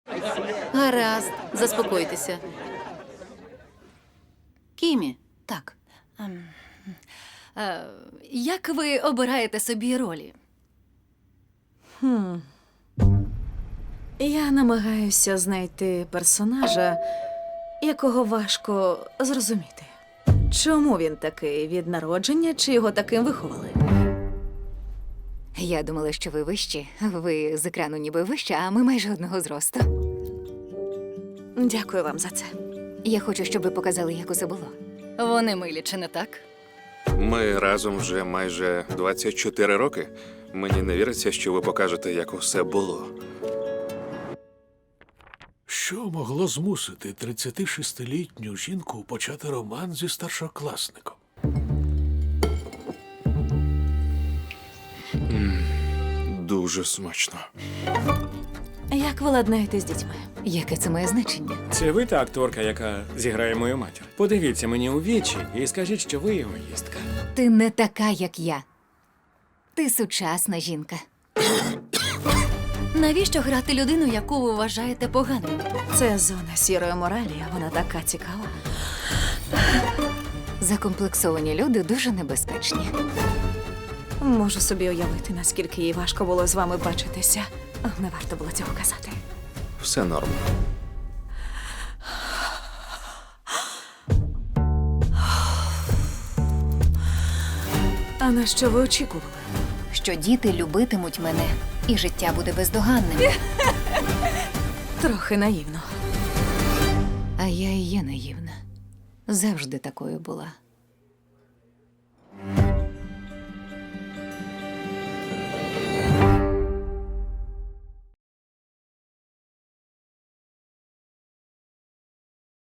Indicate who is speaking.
Speaker 1: Гаразд, заспокойтеся. Кімі,
Speaker 2: Так. Як ви обираєте собі ролі?
Speaker 3: Я намагаюся знайти персонажа, якого важко зрозуміти. Чому він такий від народження, чи його таким виховали?
Speaker 4: Я думала, що ви вищі. Ви з екрану ніби вищі, а ми майже одного зросту.
Speaker 3: Дякую вам за це.
Speaker 4: Я хочу, щоб ви показали, як усе було.
Speaker 2: Вони милі, чи не так?
Speaker 5: Ми разом вже майже 24 роки. Мені не віриться, що ви покажете, як усе було.
Speaker 6: Що могло змусити 36-літню жінку почати роман зі старшокласником?
Speaker 5: Дуже смачно.
Speaker 3: Як ви ладнаєте з дітьми?
Speaker 4: Яке це має значення?
Speaker 7: Це ви та акторка, яка зіграє мою матір. Подивіться мені у вічі і скажіть, що ви егоїстка.
Speaker 4: Ти не така, як я. Ти сучасна жінка.
Speaker 2: Навіщо грати людину, яку ви вважаєте поганою?
Speaker 3: Це зона сірої моралі, вона така цікава.
Speaker 4: Закомплексовані люди дуже небезпечні.
Speaker 3: Можу собі уявити, наскільки їй важко було з вами бачитися. Не варто було цього казати.
Speaker 5: Все норм.
Speaker 3: А на що ви очікували?
Speaker 4: Що діти любитимуть мене, і життя буде бездоганним.
Speaker 3: Трохи наївно.
Speaker 4: А я і є наївна. Завжди такою була.